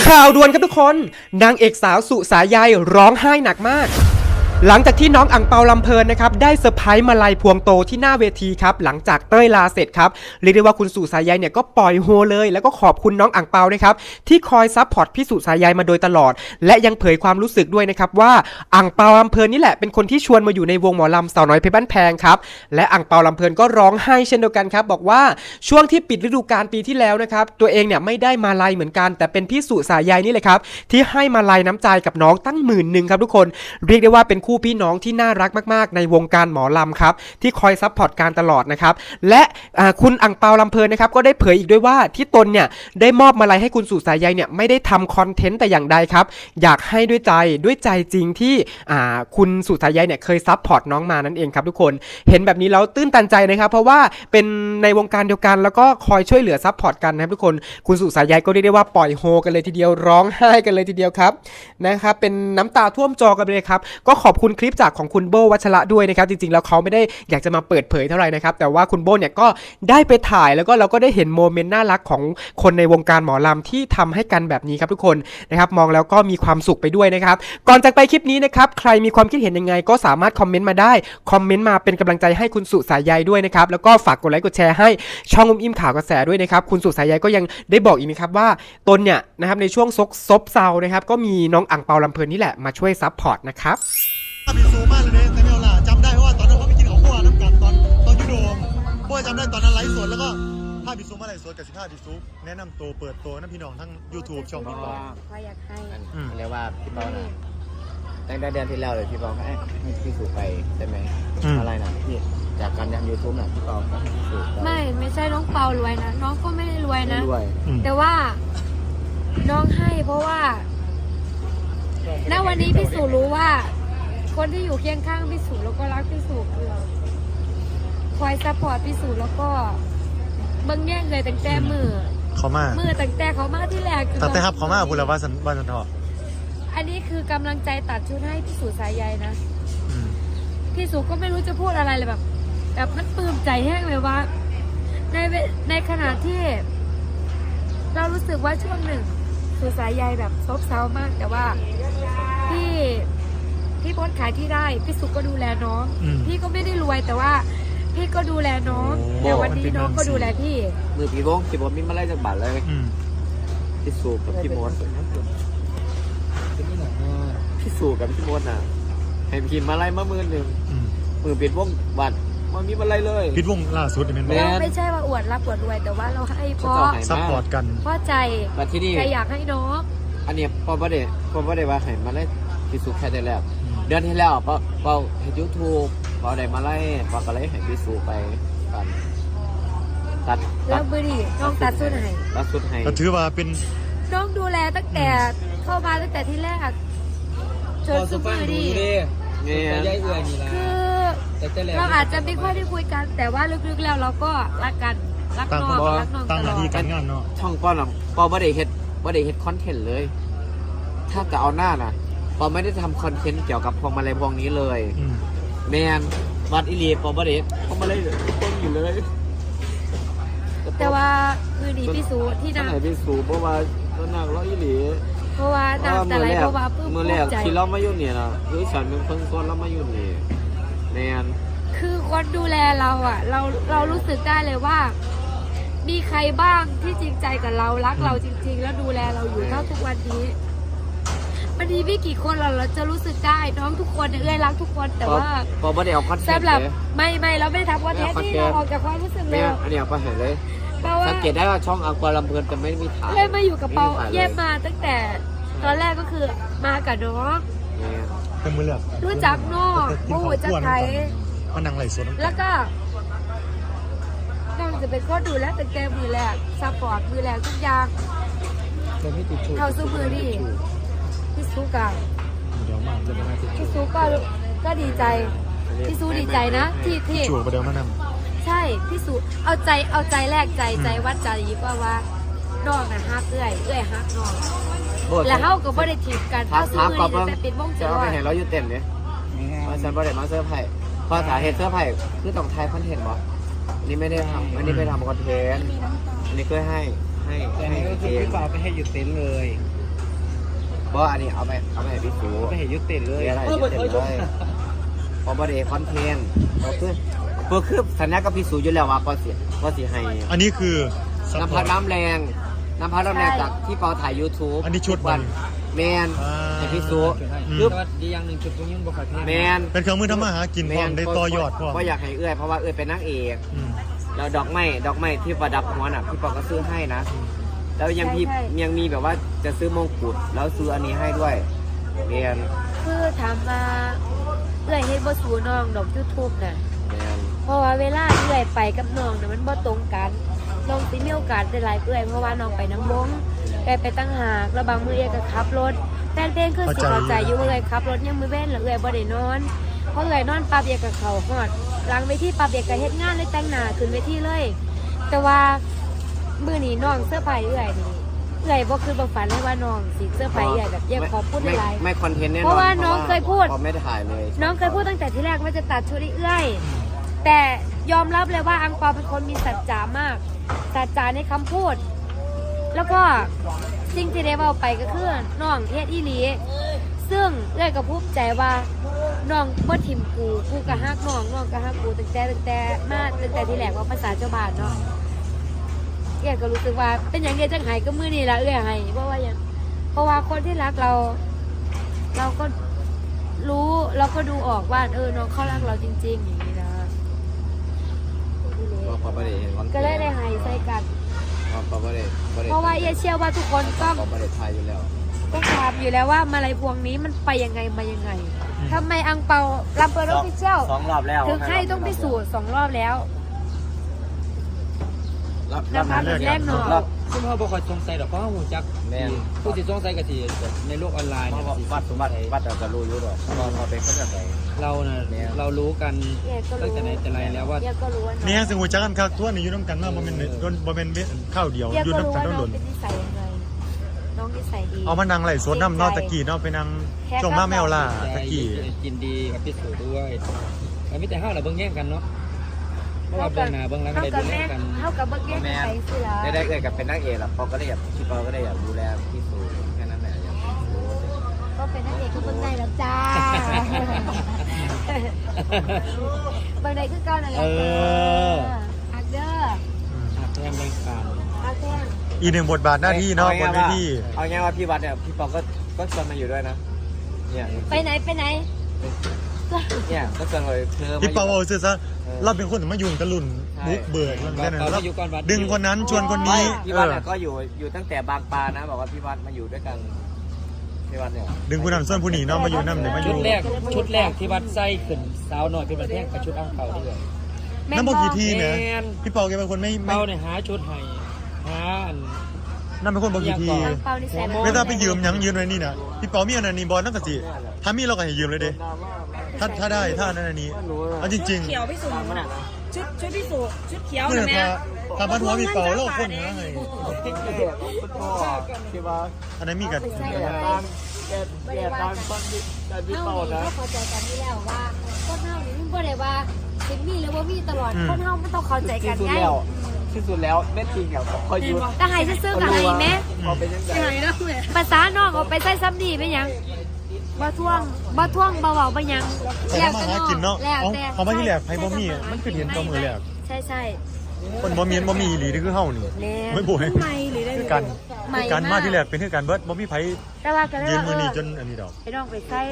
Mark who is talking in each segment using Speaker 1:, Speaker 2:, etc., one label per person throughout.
Speaker 1: ข่าวด่วนครับทุกคนนางเอกสาวสุสายใยร้องไห้หนักมากหลังจากที่น้องอั่งเปาลำเพลินนะครับได้เซอร์ไพรส์มาลัยพวงโตที่หน้าเวทีครับหลังจากเต้ยลาเสร็จครับเรียกได้ว่าคุณสุสายใยเนี่ยก็ปล่อยโฮเลยแล้วก็ขอบคุณน้องอั่งเปานะครับที่คอยซัพพอร์ตพี่สุสายใยมาโดยตลอดและยังเผยความรู้สึกด้วยนะครับว่าอั่งเปาลำเพลินนี่แหละเป็นคนที่ชวนมาอยู่ในวงหมอลำสาวน้อยเพชรบ้านแพงครับและอั่งเปาลำเพลินก็ร้องไห้เช่นเดียวกันครับบอกว่าช่วงที่ปิดฤดูกาลปีที่แล้วนะครับตัวเองเนี่ยไม่ได้มาลัยเหมือนกันแต่เป็นพี่สุสายใยนี่แหละครับที่ให้มาลัยน้ำใจกับน้องตั้ง10,000ครับทุกคนเรียกได้ว่าเป็นคู่พี่น้องที่น่ารักมากๆในวงการหมอลำครับที่คอยซัพพอร์ตการตลอดนะครับและคุณอั่งเปาลำเพลินนะครับก็ได้เผยอีกด้วยว่าที่ตนเนี่ยได้มอบมาลัยให้คุณสุสายใยเนี่ยไม่ได้ทำคอนเทนต์แต่อย่างใดครับอยากให้ด้วยใจจริงที่คุณสุสายใยเนี่ยเคยซัพพอร์ตน้องมานั่นเองครับทุกคนเห็นแบบนี้แล้วตื้นตันใจนะครับเพราะว่าเป็นในวงการเดียวกันแล้วก็คอยช่วยเหลือซัพพอร์ตกันนะครับทุกคนคุณสุสายใยก็เรียกได้ว่าปล่อยโฮกันเลยทีเดียวร้องไห้กันเลยทีเดียวครับนะครับเป็นน้ำตาท่วมจอกันเลยครับก็ขอบคุณคลิปจากของคุณโบวัชระด้วยนะครับจริงๆแล้วเขาไม่ได้อยากจะมาเปิดเผยเท่าไหร่นะครับแต่ว่าคุณโบเนี่ยก็ได้ไปถ่ายแล้วก็เราก็ได้เห็นโมเมนต์น่ารักของคนในวงการหมอลำที่ทำให้กันแบบนี้ครับทุกคนนะครับมองแล้วก็มีความสุขไปด้วยนะครับก่อนจากไปคลิปนี้นะครับใครมีความคิดเห็นยังไงก็สามารถคอมเมนต์มาได้คอมเมนต์มาเป็นกำลังใจให้คุณสุสายใยด้วยนะครับแล้วก็ฝากกดไลค์กดแชร์ให้ช่องอิ่มข่าวกระแสด้วยนะครับคุณสุสายใยก็ยังได้บอกอีกนะครับว่าตนเนี่ยนะครับในช่วงซบเซานะครับก็มีน้องอั่งเปาลำเพลินนี่แหละมาช่วยซัพพอร์ตนะครับ
Speaker 2: บิสูมากเลยเนี่ยแต่ไม่เอาล่ะจำได้เพราะว่าตอนนั้นเขาไปกินของพวกน้ำกันตอนยุโดมพวกจำได้ตอนนั้นไลฟ์สดแล้วก็ภาพบิสูมาไลฟ์สดกับ15บิสูแนะนำตัวเปิดตัวน้ำพี่น้องทั้ง YouTube ช่องพี่ปอ
Speaker 3: ก็อยากให้
Speaker 4: เรียกว่าพี่เป้าน่ะตั้งแต่เดือนที่แล้วเลยพี่เป้าให้พี่สู่ไปใช่ไหมอะไรนะพี่จากการทำยูทูบน่ะพี่เป้าให้พี่สู่
Speaker 3: ไม่ใช่น้องเปารวยนะน้องก็ไม่ได้รวยนะแต่ว่าน้องให้เพราะว่าณวันนี้พี่สู่รู้ว่าคนที่อยู่เคียงข้างพี่สู่แล้วก็รักพี่สู่คือคอยซัพพอร์ตพี่สู่แล้วก็เบิ้งแย่งเลยตั้งแต่มือตั้งแต่เขามาที่แรก
Speaker 2: ตั้งแต่ครับเขามาพูดแล้วว่าสันทอ
Speaker 3: อันนี้คือกำลังใจตัดชุดให้พี่สู่สายใยนะพี่สู่ก็ไม่รู้จะพูดอะไรเลยแบบมันปลื้มใจแห้งเลยว่าในขณะที่เรารู้สึกว่าช่วงหนึ่งสู่สายใยแบบซบเซามากแต่ว่าพี่โพสขายที่ได้พี่สุก็ดูแลน้องพี่ก็ไม่ได้รวยแต่ว่าพี่ก็ดูแลน้องแต่วันนี้น้องก็ดูแลพี่
Speaker 4: มือพี่วงพี่บอสมีมาไล่จากบัตรเลยพี่สูกับพี่มดพี่สูกับพี่มดน่ะให้พี่มาไล่มามือปิดวงบัตรมันมีมาไล่เลย
Speaker 2: ปิดวงล่าสุด
Speaker 3: เป็นเราไม่ใช่ว่าอวดรับอวดรวยแต่ว่าเราให้เพราะ
Speaker 2: ซัพพอร์ตกัน
Speaker 3: เพราะใจใครอยากให้น้อง
Speaker 4: อันนี้พอประเดี๋ยวว่าให้มาไล่พี่สูแค่ได้แล้วเดือนที่แล้วเปาเห็นยูทูบเปาได้มาไล่เปาก็เลยให้พี่สูไปกันตัด
Speaker 3: แล้วบุรีน้องตัดสุด
Speaker 4: ให้
Speaker 2: ก็ถือว่าเป็น
Speaker 3: น้องดูแลตั้งแต่เข้ามาตั้งแต่ที่แรกจนสุดบุรีคือเราอาจจะไม่ค่อยได้คุยกันแต่ว่าลึกๆแล้วเราก็รักกันรักน้อง
Speaker 2: ตั้งหน้าที่การงานเนาะ
Speaker 4: ช่องก้อนเปาไม่ได้เฮ็ดคอนเทนต์เลยถ้าจะเอาหน้าน่ะปอไม่ได้ทำคอนเทนต์เกี่ยวกับพวงมาลัยพวงนี้เลยแมนวัดอิลีปอไม่ได้พวงมาลัยต้นอยู่เลย
Speaker 3: แต่ว่าคือดีพี่สูที่น
Speaker 4: ำพี่สูเพราะว่าต้นหนักร้อยอิลี
Speaker 3: เพราะว่านำแต่ไรเพราะว่าเพิ่ม
Speaker 4: มือแรกที่เรามาอยู่เนี่ยนะคือฉันเป็นเพิ่งต้นเรามาอยู่นี่แมน
Speaker 3: คือคนดูแลเราอ่ะเรารู้สึกได้เลยว่ามีใครบ้างที่จริงใจกับเรารักเราจริงๆแล้วดูแลเราอยู่เท่าทุกวันนี้มันมีไม่กี่คนเราจะรู้สึกได้น้องทุกคนเอ้ยรักทุกคนแต่ว่า
Speaker 4: พอไม่ได้เอาคอนเทนต์
Speaker 3: สำหรับไม่เราไม่ได้ทำคอนเทนต์ที่เราออกจากความรู้สึกเลย
Speaker 4: อันนี้เอาไปเห็นเลยสังเกตได้ว่าช่องอังกอร์ลำเพลินจะไม่มีถ่าย
Speaker 3: เลยมาอยู่กับเปาเย็บมาตั้งแต่ตอนแรกก็คือมากับน้อง
Speaker 2: เป็นมือเลือก
Speaker 3: รู้จักน้องผู้จัดไทย
Speaker 2: มานั่งไหลสด
Speaker 3: แล้วก็น้องจะเป็นคนดูแลตั้งแต่มือแรกซัพพอร์ตมือแรกทุกอย่างเขาสู้มือดีพี่ซูกับพี่ซูก็ดีใจพี่ซูดีใจนะที่
Speaker 2: จูบไปเดิมมาน
Speaker 3: ำใช่พี่ซูเอาใจแรกใจวัดใจยิ่งว่าน้องน่ะฮักเอื้อยฮักน้องแล้วเขาก็ไม่ได้ถีบกันเขาซื้อมือแต่ปิดวงจร
Speaker 4: ไม่เห็นเราอยู่เต็มเลยมาฉันไม่ได้มาเสื้อไผ่พอสาเหตุเสื้อไผ่คือต้องไทยคอนเทนต์บ่อันนี้ไม่ได้ทำอันนี้ไม่ทำคอนเทนต์อันนี้ก็ให้
Speaker 5: พี่เปาไปให้หยุดเต็นเลย
Speaker 4: เพราะอันนี้เอาไปให้พี่สูไปให้ยุติเลยอะไรยุติเลยพอบริเวณคอนเทนต์ก็คือสัญญากับพี่สูอยู่แล้วว่าก็สิให้
Speaker 2: อันนี้คือ
Speaker 4: น้ำพัดน้ำแรงจากที่เปาถ่าย YouTube
Speaker 2: อันนี้ชุด
Speaker 4: วันแมนให้พี่สูคือดีอย่างหนึ่งชุดตรงนี้บอกแมน
Speaker 2: เป็นเครื่องมือทำมาหากินพร้อมได้ต่อยอดพร้อม
Speaker 4: ก็อยากให้เอื้อยเพราะว่าเอื้อยเป็นนางเอกแล้วดอกไม้ที่ประดับหัวน่ะพี่ปอก็ซื้อให้นะแล้วยังมีแบบว่าจะซื้อมงกุฎแล้วซื้ออันนี้ให้ด้วยเรียน
Speaker 3: คือถามว่าเอื้อยเฮ็ดบ่สูน้องดอก YouTube น่ะ
Speaker 4: เรียน
Speaker 3: เพราะว่าเวลาเอื้อยไปกับน้องน่ะมันบ่ตรงกันน้องสิมีโอกาสได้หลายเอื้อยเพราะว่าน้องไปน้ำวงเอื้อยไปตั้งหากแล้วบางมื้อเอื้อยก็ขับรถแฟนเพลงคือสิเข้าใจอยู่ว่าเอื้อยขับรถยังมื้อเว้นแล้วเอื้อยบ่ได้นอนพอเอื้อยนอนปั๊บเอื้อยก็เข้าฮอดหลังเวทีปั๊บเอื้อยก็เฮ็ดงานเลยแต่งหน้าขึ้นเวทีเลย แต่ว่ามื้อนี้น้องเสื้อผ้าเอื้อยนี่เอื้อยบ่คือบ่ฝันเลยว่าน้องสิเสื้อผ้าเอื้อยแบบอยากขอบคุณหลาย
Speaker 4: ไม่คอนเทนต์แน่นอน
Speaker 3: เพราะว่าน้องเคยพูด
Speaker 4: พอไม่ได้ถ่ายเลย
Speaker 3: น้องเคยพูดตั้งแต่ที่แรกว่าจะตัดชุดให้เอื้อยแต่ยอมรับเลยว่าอังเปาเป็นคนมีสัจจามากสัจจาในคำพูด แล้วก็สิ่งที่ได้เว้าไปก็คือน้องเฮ็ดอีหลีซึ่งเอื้อยก็ภูมิใจว่าน้องบ่ถิ่มกูก็ฮักน้องก็ฮักกูตั้งแต่ที่แรกว่าภาษาเจ้าบ้านเนาะเอื้อยก็รู้สึกว่าเป็นอย่างเดียวจังไห้ก็มื้อนี้ล่ะเอื้อยให้เพราะว่าคนที่รักเราก็รู้เราก็ดูออกว่าน้องเขารักเราจริงๆอย่างนี้นะ
Speaker 4: พอไม่ได้เห็นคอนเทนต์
Speaker 3: ก็เลยได้ให้ใส่กัน
Speaker 4: พอไม่ได้
Speaker 3: เพราะว่าเอื้อยเชื่อว่าทุกคนต้อง
Speaker 4: พอไม่ได้ถ่ายอยู่แล้ว
Speaker 3: ถามอยู่แล้วว่ามาลัยพวงนี้มันไปยังไงมายังไงทำไมอังเปาลำเปิดออฟฟิเชียล
Speaker 4: 2 รอบแล้ว
Speaker 3: ถึงให้ต้องไปสู่2 รอบแล้ว
Speaker 4: รอบ
Speaker 3: นะคะแบบแรกเนาะ
Speaker 5: ซึ่งเขาบอกว่าสงสัยดอกเพราะว่าหูจัก
Speaker 4: แม่น
Speaker 5: ผู้ที่สงสัยก็สิในโลกออนไลน์
Speaker 4: เพ
Speaker 5: เนี่ย
Speaker 4: ราะว่าวัดเราจะรู้อยู่หรอกพอเป็นคนแบบไหน
Speaker 5: เราน่ะเรารู้กันตั้งแต่ไหนแต่ไรแล้วว่า
Speaker 3: เดี๋ยวก็รู้ว่า
Speaker 2: นี่ฮะซึ่งหัวจักกันคักทั่วนี่อยู่น้ำกันมาบ่แม่นข้าวเดียว
Speaker 3: เดี๋ยว
Speaker 2: อยู่
Speaker 3: ก็รู้
Speaker 2: น้ำกัน
Speaker 3: ว่า
Speaker 2: ต้อง
Speaker 3: น้
Speaker 2: ห
Speaker 3: อง
Speaker 2: ล่น
Speaker 3: เป็นนิสัยยังไงน้องนิสัยดี
Speaker 2: เอามานั่งไล่สวนน้ำนอกตะกี้เนาะไปนั่งช่วงมาแมวล่าตะกี้
Speaker 5: กินดีกับพี่สูด้วยแต่ไม่แต่ห้าวเราเบิ่งแย่งกันเนาะเพราะว่าเบิ่งหน้าเบิ่งหลังก็ได้ดูแลกัน
Speaker 3: เท่ากับเบิกแยกกันไปสิล่ะ
Speaker 4: ได้เกิดกับเป็นนักเอกแล้วพอก็ได้อยากพี่ปอก็ได้อยากดูแลพี่สูแค่นั้นแหละอยากดู
Speaker 3: ก็เป็นนักเอกก็เบิ่งได้แล้วจ้าเบิ่งได้คือเก่านั่นแหละฮักเด้อ
Speaker 5: หักแย่งแบ่งกัน
Speaker 3: ฮักแท้ง
Speaker 2: อีกหนึ่งบทบาทหน้าที่เนาะบนเวที
Speaker 4: เอาง่ายว่าพี่วัดเนี่ยพี่ปอก็ชวนมาอยู่ด้วยนะเนี่ย
Speaker 3: ไปไหน
Speaker 4: เนี่ยก็ชวนเลยเธอ
Speaker 2: พี่เปาเอาซื่อซะเราเป็นคนมายุ่งกับรุ่นบุกเบิกนั่นน่ะเราดึงคนนั้นชวนคนนี้
Speaker 4: พี่วัดเนี่ยก็อยู่ตั้งแต่บางปลานะบอกว่าพี่วัดมาอยู่ด้วยกันพี่วัดเนี่ย
Speaker 2: ดึงผู้นั้นส่วนผู้นี้เนาะมาอยู่นำเนี่ยมาอ
Speaker 5: ชุ
Speaker 2: ยู่
Speaker 5: ดแรกที่วัดไส้ขึ้นสาวหน่อยเป็นประเทศกับชุดอ่างเปาด้วย
Speaker 2: น้ำบ่กี่ทีเนี่ยพี่เปาแกเป็นคนไม่
Speaker 5: เปาเนี่ยหาชุดให้หาอัน
Speaker 2: นั่นเป็นคนบ่กี่ที
Speaker 3: อังเปานี่ใส่
Speaker 2: ไม่ต้องไปยืมหยังยืมไว้นี่น่ะพี่เปามีอันนั้นนี่บอลนั่นก็สิถ้ามีเราก็ให้ยืมเลยเด้ถ้าได้ถ้าอันนั้นอันนี้เอาจริง
Speaker 6: เขียวพี่สุชุดพี่สุชุดเขียว
Speaker 2: ๆเพื่อ
Speaker 6: เห็นไหม
Speaker 2: ถ้าบ้านหัวพี่เปาเราคนหาให้
Speaker 4: พี่วัด
Speaker 2: อันนั้นมีกับ
Speaker 3: ใส่แบบไม่ได้ว่ากันเท่านี้ก็พอใจกันนี่แล้วว่าคนเท่านี้ไม่ได้ว่าเป็นมีหรือว่ามีตลอดคนเท่าไม่ต้องเข้าใจกันไง
Speaker 4: ที่สุดแล้วแม่จริงอ่ะคอยยืน
Speaker 3: ก็ให้ซื้อๆกับให้แม่
Speaker 4: พอเป็นยังไง
Speaker 6: ใช่แล้วเลย
Speaker 3: ภาษาน้องเอาไปใส่ซ้ำดีไปยังบ่ท่วงบ่เบาๆไปยัง
Speaker 2: แต่มาหากินเนาะ
Speaker 3: แล้วแต่
Speaker 2: เขามาที่แหลกไผบ่มีมันคือเห็นตัวมือแหลก
Speaker 3: ใช่
Speaker 2: คนบ่มีบ่มีอีหลีนี่คือเฮานี่ไม่บ่ให้
Speaker 6: ไม่หรือได้
Speaker 2: คือกันการมาที่แหลกเป็นคือกันเบิดบ่มีไผ
Speaker 3: แต่ว่าก็ได้
Speaker 2: ยืนมือ
Speaker 3: ว่า
Speaker 2: นี่จนอันนี้ดอก
Speaker 3: ไปน้องไปใส่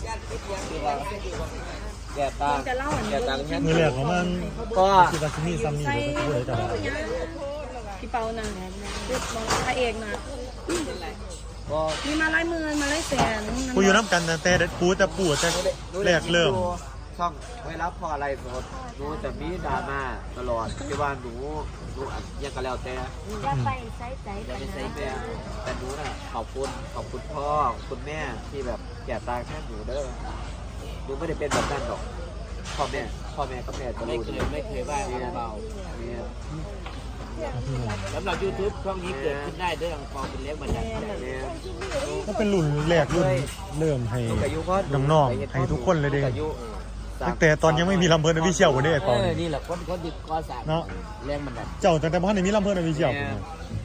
Speaker 4: แก่ตาแก่ตาแค่
Speaker 2: มือแหลกของมัน
Speaker 4: ก็
Speaker 2: คือว่าสิมีซ้ำนี่บ่ก็เลยจะว่า
Speaker 6: พี่เปานะพระเอกนะ
Speaker 4: ก็
Speaker 6: มีมาไล่มือมาไล่แสน
Speaker 2: กูอยู่น้ำกันแต่ปูแต่แรกเริ่ม
Speaker 4: ช่องไว้รับพออะไรสดหนูแต่มีดราม่าตลอดที่ว่าหนูยังก็แล้วแต่
Speaker 3: จะไปใส่ใจ
Speaker 4: จะ
Speaker 3: กัน
Speaker 4: ไม่ใช่
Speaker 3: นะ
Speaker 4: แต่หนูน่ะขอบคุณพ่อคุณแม่ที่แบบแก่ตาแค่หนูเด้อหนูไม่ได้เป็นแบบนั้นหรอกพ่อแม่ก็แม่จะรู้ไม่เคยว่าเบาเนี่ย
Speaker 5: สำหรับ YouTube ช่องนี้เกิดขึ้นได้ด้วยอังเปาเป็นเล็กบันได
Speaker 4: เนี่ย
Speaker 2: ก็เป็นรุ่นแรกรุ่นเริ่มให้น้องๆให้ทุกคนเลยเด้ตั้งแต่ตอนยังไม่มีลำเพิ่นอวิเชียลบ่ได้ไอ้เปา
Speaker 5: นี่แหละคนดิบก้อสาม
Speaker 2: เนาะ
Speaker 5: แรงบันได
Speaker 2: เจ้าตั้งแต่บ่ทันได้มีลำเพิ่นอวิเชียล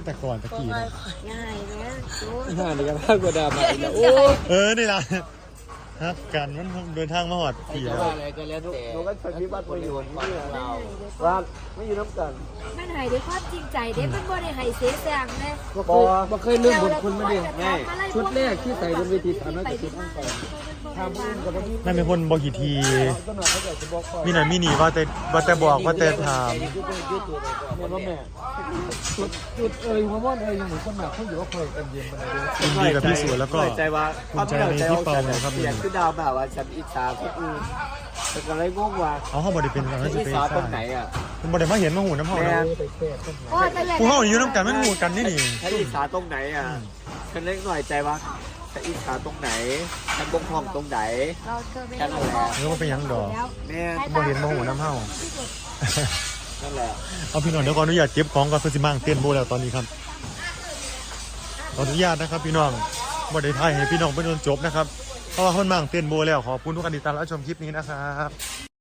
Speaker 2: แต่ก่อนตะกี้นะ
Speaker 6: ง่ายไหมโอ้ย
Speaker 5: ห้านี่ก็มากกว่าดราม่าอีกแล้วโอ้ย
Speaker 2: นี่ล่ะฮักกันมันเดินทางมาหอดปี
Speaker 4: จะ
Speaker 2: แล้ว
Speaker 4: ว่าอะไรก็แล้วแต่หนูก็จะมีบ้านประโยชน์ที่เราว่าไม่อยู่น้ำกัน
Speaker 3: มันหายด้วยความจริงใจเด้มันบ่ได้ให้เสียแสงเลย
Speaker 5: บ่เคยลืมบุญคุณมาดิง่ายชุดแรกที่ใส่บนเวที300กว่าชุดทั้งสองทำบุญกับพี่
Speaker 2: นั่นเป็นคนบอกกี่ที
Speaker 5: ก็หน่อยเขาจะบอกก่อน
Speaker 2: มีหน่อยมีหนีว่าแต่บอกว่าแต่ถาม
Speaker 5: แม่ว่าแม่จุดหัวม่อนยังเหมือนคนหนักเขาอยู่ว่าเคยกันเย็นมาเลย
Speaker 2: ยินดีกับพี่สวยแล้วก็
Speaker 4: ใจว่า
Speaker 2: ภูมิใจในพี่เปาเลยครับ
Speaker 4: เปลี่ยนคือดาวแบบว่าฉันอิจฉาคนอื่นแต่ก็เลยงงว่า
Speaker 2: เอาเข้าบริเป็นเรา
Speaker 4: ฉัน
Speaker 2: จะ
Speaker 4: อิจ
Speaker 2: ไป
Speaker 4: ฉาต
Speaker 2: ใช่
Speaker 4: รงไหนอ่ะ
Speaker 2: คุณบริมาเห็นมาหูน้ำหอม
Speaker 4: แม่
Speaker 2: นะ
Speaker 3: โอ้แต่
Speaker 2: กูเข้าอยู่น้ำกันมันหูกันนี่นี่
Speaker 4: ฉันอิจฉาตรงไหนอ่ะฉันเล็กหน่อยใจว่าฉันอิจฉาตรงไหนฉันบกพร่องตรงไหน
Speaker 3: เราเธอไม่
Speaker 4: แค่นั้นแหละ
Speaker 2: เนื้อว่าเป็นยังดอก
Speaker 4: แม่
Speaker 2: บริเห็นมาหูน้ำเห่า
Speaker 4: นั่นแหละ
Speaker 2: เอาพี่น้องเดี๋ยวขออนุญาตเก็บของก่อนเพื่อสิมั่งเต้นโบแล้วตอนนี้ครับขออนุญาตนะครับพี่น้องบริไทยให้พี่น้องไปจนจบนะครับเพราะว่าคนมั่งเต้นโบแล้วขอบคุณทุกการติดตามและชมคลิปนี้นะครับ